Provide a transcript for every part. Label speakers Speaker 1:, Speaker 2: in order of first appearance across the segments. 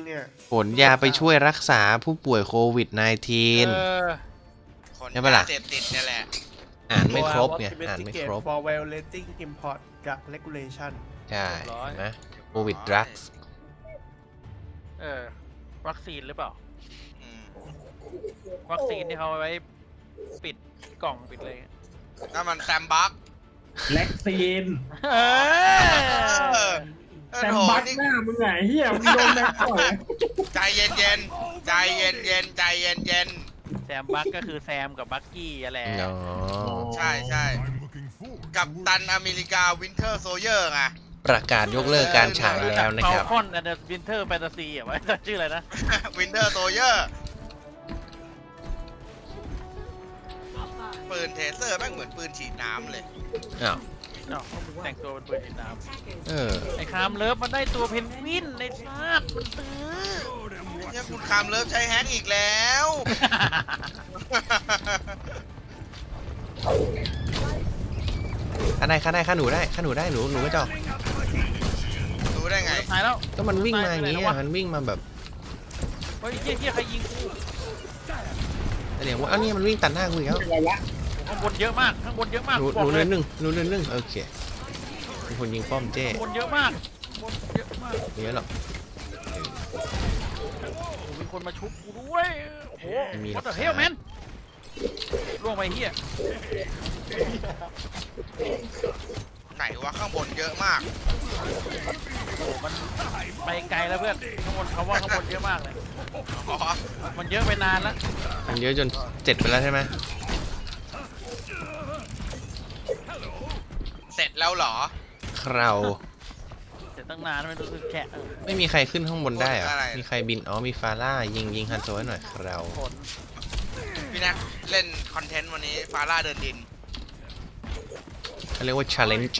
Speaker 1: เนี่ย
Speaker 2: ขนยาไปช่วยรักษาผู้ป่วยโควิด -19
Speaker 3: คน
Speaker 2: ใช่ปะล่ะ
Speaker 3: ยาเสพติดเนี่ยแหละ
Speaker 2: อ่านไม่ครบไง
Speaker 1: ตัว
Speaker 2: อ่านไม่ครบ
Speaker 1: for violating import กับ regulation
Speaker 2: ใช่เห็นไหมโควิดดรักส์
Speaker 4: วัคซีนหรือเปล่า
Speaker 3: อืม
Speaker 4: วัคซีนที่เขาเอาไว้ปิดกล่องปิดเลย
Speaker 3: นั่นมันแซมบัก
Speaker 5: แล็กซีน
Speaker 4: เออ
Speaker 5: แต่บักหน้ามึงไงเฮียมึงโดนแม็กก่อน
Speaker 3: ใจเย็นเย็นๆใจเย็นเย็นๆใจเย็นเย็น
Speaker 4: แซมบักก็คือแซมกับบักกี้อะแหละ
Speaker 2: อ๋อ
Speaker 3: ๆใช่ใช่กับตันอเมริกาวินเทอร์โซเยอร์ไง
Speaker 2: ประกาศยกเลิกการฉายแล้วนะ
Speaker 4: เฟ
Speaker 2: ค
Speaker 4: ล
Speaker 2: รับ
Speaker 4: คอนแอนด์วินเทอร์แฟนตาซีอ่ะไว้ชื่ออะไรนะ
Speaker 3: วินเทอร์โซเยอร์ปืนเทเซอร์แม่งเหมือนปืนฉีดน้ำเลย
Speaker 2: อ้าว
Speaker 4: เนาะแต่งตัวเป็นปืนฉีดน้
Speaker 2: เออ
Speaker 4: ำไอ้คามเลิฟมันได้ตัวเพนกวินในชาติมันตื้อ
Speaker 3: เนี่ยคุณคามเลิฟใช้แฮกอีกแล้ว
Speaker 2: ข้าได้ข้าหนูได้ข้าหนูได้หนูก็จอก
Speaker 3: รู้ได้ไง
Speaker 4: ตายแล้ว
Speaker 2: ก็มันวิ่งมาอย่างนี้อะมันวิ่งมาแบบ
Speaker 4: เฮ้ยเฮียใครยิงกู
Speaker 2: แสดงว่าเอ้านี่มันวิ่งตัดหน้ากูอีกแล้ว
Speaker 5: เป็นไรวะ
Speaker 4: ข้างบนเยอะมากข้างบนเยอะมาก
Speaker 2: หนู
Speaker 4: บอก
Speaker 2: เนิ
Speaker 4: เลย
Speaker 2: นหนึ่งหนูเนินหนึ่งโอเคมีคนยิงป้อมเจ้
Speaker 4: ข้างบนเยอะมากข้างบนเยอะมาก
Speaker 2: เยอะหรอก
Speaker 4: โอ้มีคนมาชุบกูด้วยโอ้โห
Speaker 2: ไม่มีหรอก
Speaker 4: what the hell man ล่วงไปเฮีย
Speaker 3: ไหนวะข้างบนเยอะมาก
Speaker 4: โอ้มันไปไกลแล้วเพื่อนข้างบนเขาว่าข้างบนเยอะมากเลย
Speaker 3: อ๋อ
Speaker 4: มันเยอะไปนานแล้ว
Speaker 2: มันเยอะจน7ไปแล้วใช่ไหม
Speaker 3: เสร็จแล้วเหรอ
Speaker 2: คราว
Speaker 4: เสร็จตั้งนานไม่รู้สึกแฉะ
Speaker 2: ไม่มีใครขึ้นข้างบนได้เหรอ
Speaker 3: อะไร
Speaker 2: มีใครบินอ๋อมีฟาร่ายิงฮันโซให้หน่อยคราว
Speaker 4: ฝน
Speaker 3: พี่แนักเล่นคอนเทนต์วันนี้ฟาร่าเดินดิน
Speaker 2: เขาเรียกว่า challenge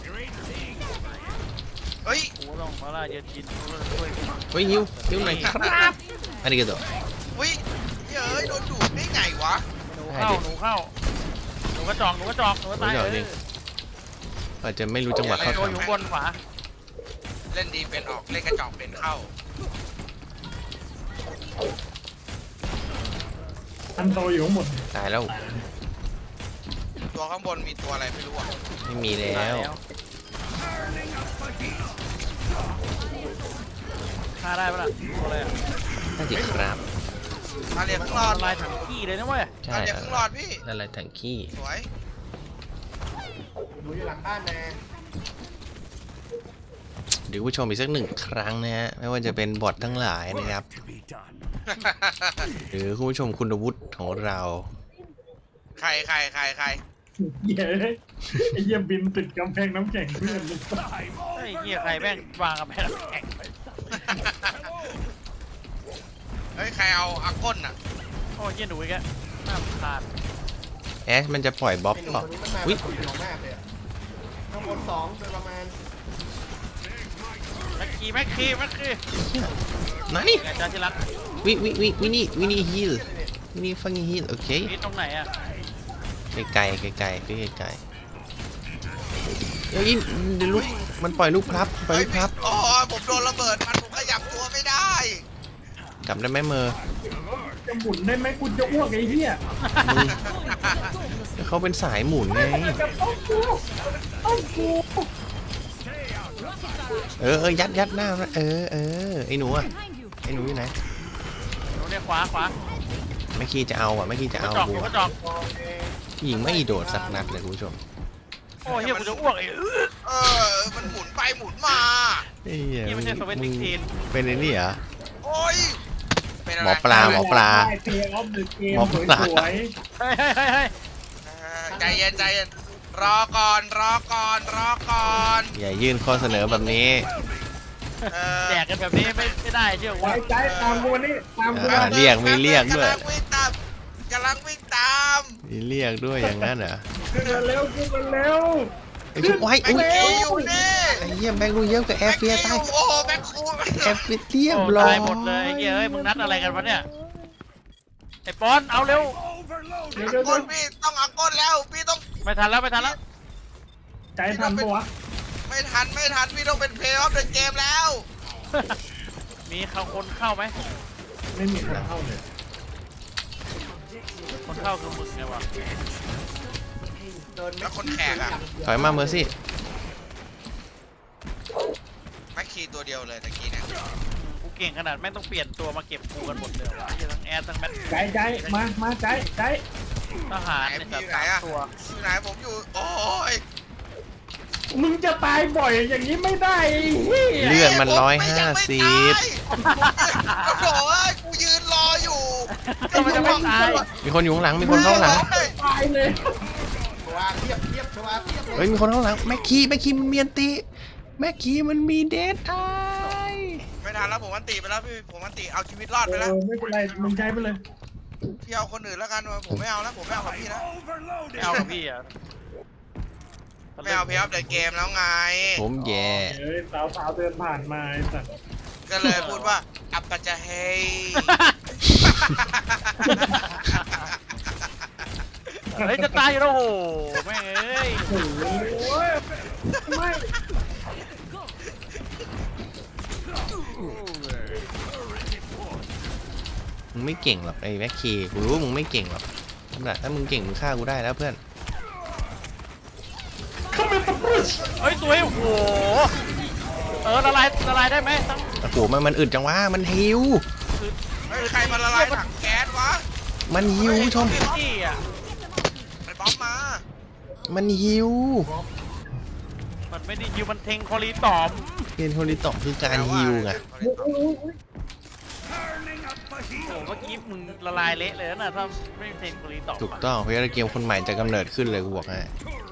Speaker 3: เฮ้ย
Speaker 4: กูต้องมาล่าเย็นกินช่วย
Speaker 2: เฮ้ยฮิวหน่อยครับอันนี้ก็ตัว
Speaker 3: วิเย้ยโดนดูดได้ไงวะ
Speaker 4: หนูเข้าหนูเข้าหนูกระจอกหนูกระจอกหนูกระตายเลย
Speaker 2: อาจจะไม่รู้จังหวะเข้า
Speaker 4: โดนอยู่
Speaker 2: ทำ
Speaker 4: บนขวา
Speaker 3: เล่นดีเป็นออกเล่นกระจอกเป็นเข้า
Speaker 5: อันโตอยู่ข้างบน
Speaker 2: ตายแล้ว
Speaker 3: ตัวข้างบนมีตัวอะไรไม่รู้อ่ะ
Speaker 2: ไม่มีแล้ว
Speaker 4: ฆ่าได้ปะล่ะตัวอะไรอะ
Speaker 2: น่าจะครับ
Speaker 3: มาเรียกข้างรอด
Speaker 4: ลายถังขี้เลยนะเว้ย
Speaker 2: ใช่
Speaker 3: มาเรียกข้างรอดพี่
Speaker 2: อะไรถังขี้
Speaker 3: สวย
Speaker 1: หนูอยู่หลังบ้านนะ
Speaker 2: เดี๋ยวผู้ชมอีกสัก1 ครั้งนะฮะไม่ว่าจะเป็นบอททั้งหลายนะครับ หรือคุณผู้ชมคุณวุฒิของเรา
Speaker 3: ใคร
Speaker 5: เย้ไอ้เหี้ยบินติดกำแพงน้ำแข็งเพื่อนเลย
Speaker 4: ไอ้เหี้ยใครแม่งวางกับแพงแข็งไป
Speaker 3: เฮ้ย ใครเอาอาก้นอ่ะ
Speaker 4: โอ้ยเหี้ยหนูอีกแล้วน่ารำคาญ
Speaker 2: แอชมันจะปล่อยบ๊อบ
Speaker 1: ไอ้หนู
Speaker 2: เปล่า
Speaker 1: คนนี้มันมา
Speaker 2: อุ๊ย
Speaker 1: แบบอยู่มากเลยอะข้างบน2โดยประมาณ
Speaker 4: แม็กคี
Speaker 2: ไหน
Speaker 4: ไงจ้าที่รัก
Speaker 2: วินี่ฮิลวินี่ฟังฮิลโอเค
Speaker 4: นี่ตรงไหนอะ
Speaker 2: ไกลพี่ไกลเดี๋ยวลูกมันปล่อยลูกพลับปล่อย
Speaker 3: เฮ้ย
Speaker 2: ลูกพลับ
Speaker 3: โอ้ยผมโดนระเบิดมันผมขยับตัวไม่ได้
Speaker 2: กลับได้ไหมเมอร์
Speaker 5: จะหมุนได้ไหมกูจะอ้วกไอ้เหี้ย
Speaker 2: เขาเป็นสายหมุนไง
Speaker 5: ต้องกู
Speaker 2: ยัดหน้ามันไอ้หนูอะไอ้หนูอยู่ไหน
Speaker 4: หนูเนี่ยขวา
Speaker 2: ไม่คีจะเอาไม่คีจะ
Speaker 4: กระ
Speaker 2: เอา
Speaker 4: จอกห
Speaker 2: บั
Speaker 4: นู
Speaker 2: ว
Speaker 4: กระจอก
Speaker 2: ยิงไม่โดดสักนัดเลยคุณผู้ชม
Speaker 4: โอ้ยเหี้ยกูจะอ้วกไอ้
Speaker 3: มันหมุนไปหมุนมา
Speaker 2: เฮ้ย
Speaker 4: นี่ไม่ใช่สวิตติ้งทีน
Speaker 2: เป็นไอ้นี่เหรอ
Speaker 3: โอ้ย เป็นอะไร
Speaker 2: หมอปลา
Speaker 5: ได้เพย์ออฟเดอะเกม
Speaker 2: หมอ
Speaker 5: ส
Speaker 2: ปลา
Speaker 5: วย
Speaker 4: เฮ้ย
Speaker 3: ใจเย็นรอก่อน
Speaker 2: อย่ายื่นข้อเสนอแบบนี้
Speaker 4: แจกกันแบบนี้ไม่ได้เชื่อ
Speaker 5: ๆ
Speaker 4: ว่า
Speaker 5: ใจตามกูนี่ตามกู
Speaker 2: อ่า
Speaker 5: นะ
Speaker 2: เรียกมีเรียกด้วย
Speaker 3: กำลังวิ่งตาม
Speaker 2: มีเรียกด้วยอย่างนั้นเหรอ
Speaker 5: ขึ้นมาเร็วขึ้นมาเร็ว
Speaker 2: ไอ้ชุบไว้
Speaker 3: แม็ก
Speaker 2: อุ้ย
Speaker 3: กี้อยู่นี่
Speaker 2: ไอ้เหี้ยแบงค์ดูเยอะกับแอฟเฟีย
Speaker 3: แม็ก
Speaker 2: ตาย
Speaker 3: กี้โอ้โหแม็กคู
Speaker 2: แอฟเฟียเรียบ
Speaker 4: โอ้
Speaker 2: ร้อย
Speaker 4: ตายหมดเลยเฮ้ยมึงนัดอะไรกันวะเนี่ยไอ้ปอนเอาเร็ว
Speaker 5: เดี๋ยว
Speaker 3: ก้นพี่ต้องเอาก้นแล้วพี่ต้อง
Speaker 4: ไม่ทันแล้ว
Speaker 5: ใจทันปะวะ
Speaker 3: ไม่ทันพี่ต้องเป็นเพลย์ออฟเดอะเกมแล้ว
Speaker 4: มีคนเข้าไหม
Speaker 5: ไม่มีคนเข้าเลย
Speaker 4: คนเข้าคือมึงไงวะ
Speaker 1: โดน
Speaker 3: แล้วคนแขกอะ
Speaker 2: ถอยมาเมอร์ซี่
Speaker 3: แม็กคีตัวเดียวเลยตะกี้เนี่ย
Speaker 4: กูเก่งขนาดแม่งต้องเปลี่ยนตัวมาเก็บกูกันหมดเลยวะทั้งแอดทั้งแมท
Speaker 5: ใจมาใจ
Speaker 4: ทหาร
Speaker 3: ไหน
Speaker 4: เนี่ย
Speaker 3: พี่
Speaker 4: แบบ
Speaker 3: อยู่ไหนอะ
Speaker 4: ตัว
Speaker 3: อยู่ไหนผมอยู่โอ้ย
Speaker 5: มึงจะตายบ่อยอย่างนี้ไม่ได้เฮีย
Speaker 2: เลือดมัน
Speaker 3: ผม
Speaker 2: 150
Speaker 3: โอ้โหกูยืนรออยู่
Speaker 4: ทำไมจะไม่ตาย
Speaker 2: มีคนอยู่ข้างหลังมีคนเข้าข้างหลัง
Speaker 5: ตายเลย
Speaker 1: วางเทียบชวาเทียบเล
Speaker 2: เฮ้ย
Speaker 1: ย
Speaker 2: มีคนข้างหลังแม็กคีมันมีอันติแม็กคีมันมีเดดไอ
Speaker 3: ไม่ทันแล้วผมอันตีไปแล้วพี่ผมอันตีเอาชีวิตรอดไปแล้ว
Speaker 5: ไม่เป็นไรมึงใช้ไปเลย
Speaker 3: พี่เอาคนอื่นแล้วกันผมไม่เอาแล้วผมไม่เอากับพี่แล้ว
Speaker 4: ไม่เอากับพี่อ่ะ
Speaker 3: ไม่เอาพี่อัพเดตเกมแล้วไง
Speaker 2: ผมแย่
Speaker 5: เฮ้ยสาวเดินผ่านมาไอ้สัตว์
Speaker 3: ก็เลยพูดว่าอัปปะจะเฮย
Speaker 4: เฮ้ยจะตายอยู่แล้วโหแม่งเอ้ย
Speaker 5: โอ้ยไม่
Speaker 2: มึงไม่เก่งหรอกไอ้แม็กคีกูรู้ว่ามึงไม่เก่งหรอกถ้ามึงเก่งมึงฆ่ากูได้แล้วเพื่อน
Speaker 5: เขาเป็นตะปุช
Speaker 4: เฮ้ยสวยโอ้โหละลายได้ไหมตั้ง
Speaker 2: โอ้โหมันอึดจังวะมันหิว
Speaker 3: เฮ้ยใครมาละลายถังแก๊สวะ
Speaker 2: มันหิวผู้ชม
Speaker 4: ที่อ่ะ
Speaker 3: ไปบ๊อบมา
Speaker 2: มันหิว
Speaker 4: มันไม่ได้ยิวมันเทงคอรีตอม
Speaker 2: เรียนโทริตอมคือการหิวไง
Speaker 4: โอ้เมื่อกี้มึงละลายเละเลยนะถ้าไม่เทงคอรีตอม
Speaker 2: ถูกต้องเพราะว่าเกมคนใหม่จะกำเนิดขึ้นเลยกูบอกให้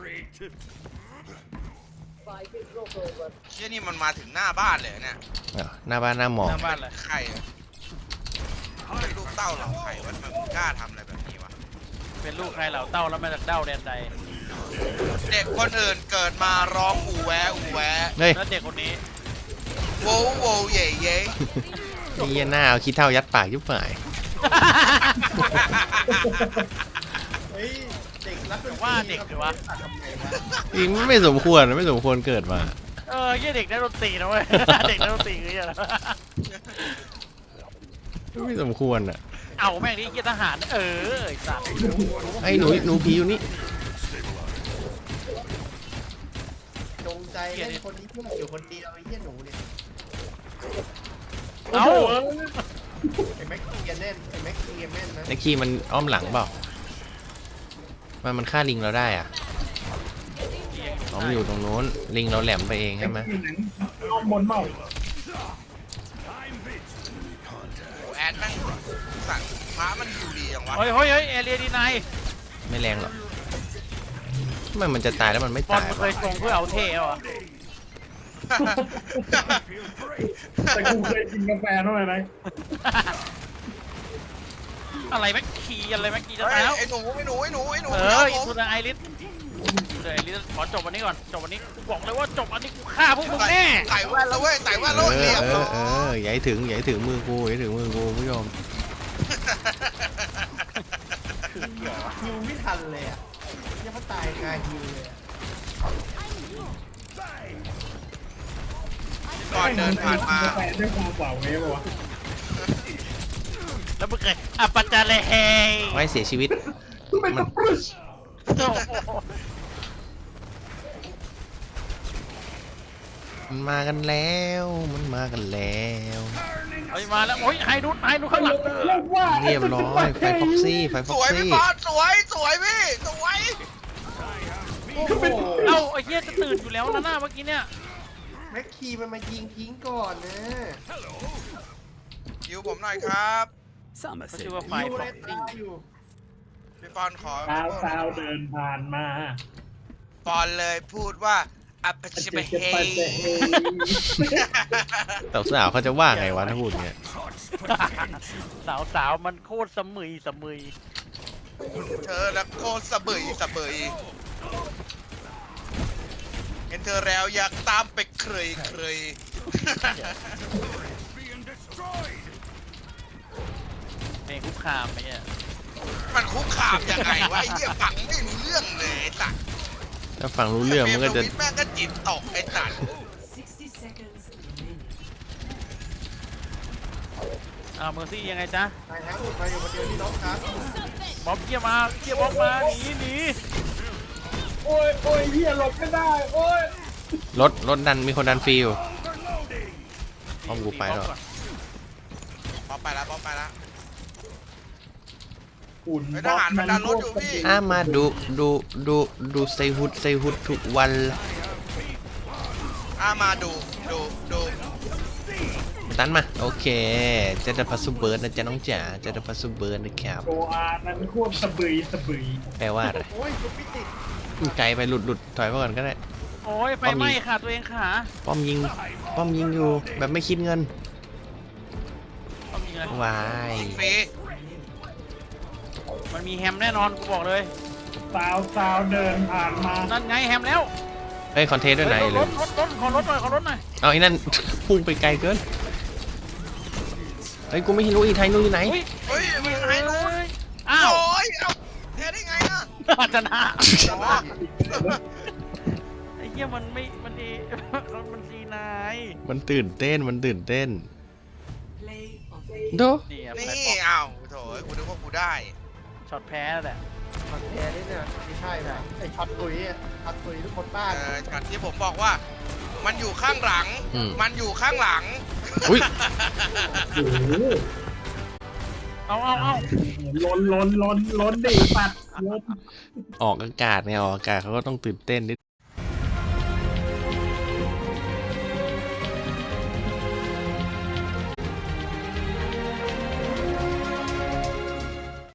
Speaker 3: เชี่ยนี่มันมาถึงหน้าบ้านเลยเนี่ย
Speaker 2: หน้าบ้านหน้าหมอ
Speaker 4: หน้าบ้านเลย
Speaker 3: ใครอะเป็นลูกเต้าเหล่าใครวะทำไมมึงกล้าทำอะไรแบบนี้วะ
Speaker 4: เป็นลูกใครเหล่าเต้าแล้วมาจากเต้าแดนใด
Speaker 3: เด็กคนอื่นเกิดมาร้องอูแวะอูแวะ
Speaker 2: เฮ้ย
Speaker 4: แล้วเด็กคนนี้
Speaker 3: โวโวเย่เย่
Speaker 2: ไอ้เหี้ยหน้าเอาขี้เท่ายัดปากยุบหาย
Speaker 1: เฮ้ยเด็กรัก
Speaker 4: ว่าเด็กหรือวะ
Speaker 1: ทำไงวะ
Speaker 2: จริงไม่สมควรไม่สมควรเกิดมา
Speaker 4: ยี่เด็กได้ดนตรีนะเว้ย เด็กได้ดนตรีคือยังไง
Speaker 2: ไม่สมควรอ่ะ
Speaker 4: เอาแม่งนี่เกียรทหารไอ้สัตว์
Speaker 2: ไอ้หนูผีอยู่นี่
Speaker 1: จงใจเล่นคนนี้เพื่ออยู่คนเดียวไอ้เหี้ยหนูเนี่ย
Speaker 4: เอา
Speaker 1: ไอ้แม็กเกียร์แน่นไอ้แม็กเกียร์แน่นนะ
Speaker 2: ไอ้คีมันอ้อมหลังเปล่ามันฆ่าลิงเราได้อ่ะอ๋อมันอยู่ตรงนู้นลิงเราแหลมไปเองใช่ไหม
Speaker 5: อ้อมบนเมา
Speaker 3: แอนแม่งสั่งม้ามันอยู่ดีอย่างวะ
Speaker 4: เฮ้ยเอเรียดีไน
Speaker 2: ไม่แรงหรอกทำไมมันจะตายแล้วมันไม่
Speaker 4: บอล
Speaker 2: ตาย
Speaker 4: มันเค
Speaker 2: วะ
Speaker 4: ยทรงเพื่อเอาเท่เหรอ
Speaker 5: แต่กูเคยกินกาแฟเท่าไหร่นะ
Speaker 4: อะไรแม็กคีอะไรแม็กคีจะ
Speaker 3: เฮ้
Speaker 4: ตาย
Speaker 3: ย
Speaker 4: แล้ว
Speaker 3: ไอ้หนู
Speaker 4: อินทูดไอริสเดี๋ยวไอริสขอจบวันนี้ก่อนจบวันนี้กูบอกเลยว่าจบอันนี้กูฆ่าพวกมึงแน่
Speaker 3: ไต่แว่นแล้วเว้ยไต่แว่นแล้วเรียบร้อย
Speaker 2: อย่าให้ถึงมือกูอย่าให้ถึงมือกูผู้ชม
Speaker 1: ฮิวไม่ทันเลยอ่ะยังเขาตายคาฮิวเลยอะ
Speaker 3: ก่อนเดินผ่านมา
Speaker 5: กาแฟด้วยความเปล่าไงป่าวะ
Speaker 4: แล้วมึงเคยอัปปะจาเลเฮ
Speaker 2: ไว้เสียชีวิต
Speaker 5: เป็นตะปุช
Speaker 2: มันมากันแล้วมันมากันแล้ว
Speaker 4: เฮ้ยมาแล้วโอ้ยไฮดูข้างหลัง
Speaker 2: เรียบร้อยไฟฟ็อกซี่ไฟฟ็
Speaker 3: ส
Speaker 2: อก
Speaker 3: วยพี่
Speaker 2: ซี่
Speaker 3: บอสสวยพี่สวย
Speaker 1: โอ้โห
Speaker 4: เอ้าไอ้เหี้ยจะตื่นอยู่แล้วนะหน้าเมื่อกี้เนี่ย
Speaker 1: แม็กคีมันมายิงทิ้งก่อนนะ
Speaker 3: ยิวผมหน่อยครับ
Speaker 4: มันชื่อว่าไฟ
Speaker 1: ฮิว
Speaker 4: ฟ
Speaker 1: เล
Speaker 4: อย ก
Speaker 1: ตายอยู่
Speaker 3: พี่ปอนขอ
Speaker 5: สาวเดินผ่านมา
Speaker 3: ปอนเลยพูดว่าอัปปะชิบะเฮย
Speaker 2: แต่สาวเขาจะว่าไงวะถ้าพูดเงี้ย
Speaker 4: สาวมันโคตรสมุย
Speaker 3: เธอแล้วโคตรสะเบยเห็นเธอแล้วอยากตามไปเคย
Speaker 4: เพลงคุกคามไปเนี่ย
Speaker 3: มันคุกคามยังไงวะไอ้เหี้ยฟังไม่รู้เรื่องเลยไอ้สัตว์
Speaker 2: ถ้าฟังรู้เรื่องมันก็จะ
Speaker 3: แม่งก็จิตตกไอ้สัตว์
Speaker 4: เมอร์ซี่ยังไงจ๊ะ
Speaker 1: ตายทั้งหมดไปอยู่คนเดียวที่น้องครับ
Speaker 4: บ๊อบเกียร์มาเกียร์บ๊อบมาหนี
Speaker 5: โอ้ยโอ้ยเหี้ยหลบไม่ได้โอ้ย
Speaker 2: รถดันมีคนดันฟรีอยู่ป้อมกูไปแล้ว
Speaker 3: ป๊อปไปแล้วป๊อปไปแล้ว
Speaker 5: อุ่น
Speaker 3: เฮ้ยทหารมันดันรถอยู่พี่
Speaker 2: มาดูใส่หุดทุกวัน
Speaker 3: มาดู
Speaker 2: ตันมาโอเคเจะได้พัสดุเบิร์ดนะจ๊ะน้องจ๋าเจะได้พัสดุเบิร์ดนะครับ
Speaker 5: โชอานั้นควบสะบืย
Speaker 2: แปลว่าอะไร
Speaker 1: โอ้ยจุดพิติด
Speaker 2: ไกลไปหลุดถอยไปก่อนก็ได้
Speaker 4: โอ้ยไฟไหม้ค่ะตัวเองค่ะ
Speaker 2: ป้อมยิงอยู่แบบไม่คิดเงิน
Speaker 4: ต้องยิงเลยว
Speaker 2: าย
Speaker 3: ฟรี
Speaker 4: มันมีแฮมแน่นอนกูบอกเลย
Speaker 5: สาวเดินผ่านมา
Speaker 4: นั่นไงแฮมแล้ว
Speaker 2: เฮ้ยคอนเทนต์ด้วยไหน
Speaker 4: ร
Speaker 2: เลย
Speaker 4: ถขอรถหน่อย
Speaker 2: เอาไอ้นั่น พุ่งไปไกลเกินเฮ้ยกูไม่รู้อีไทยนู่นอยู่ไหน
Speaker 4: อุ้ย
Speaker 3: เฮ้ยมันหายนู้น
Speaker 4: อ้าว
Speaker 3: โอ้ยเอาเทได้ไงอ่ะ
Speaker 4: ชนะ
Speaker 3: อ๋อ
Speaker 4: ไอ้เหี้ยมันไม่มันดีมันดีนาย
Speaker 2: มันตื่นเต้นโด
Speaker 4: นี่อะ
Speaker 3: นี่
Speaker 4: แพลตฟอร์ม
Speaker 3: เอาโถกูนึกว่ากูได้
Speaker 4: ช็อตแพ้แล้วแหละ
Speaker 1: มันแพ้นี่เนี่ยไม่ใช่นะไอช็อตตุยอ่ะช็อตตุยทุกคนบ้าน
Speaker 3: จากที่ผมบอกว่า มันอยู่ข้างหลัง มันอยู่ข้างหลัง
Speaker 2: อุ้ย
Speaker 5: โอ้โห
Speaker 4: เอา
Speaker 5: ล้นดิปัดล้น
Speaker 2: ออกอากาศไงออกอากาศเขาก็ต้องตื่นเต้นนิด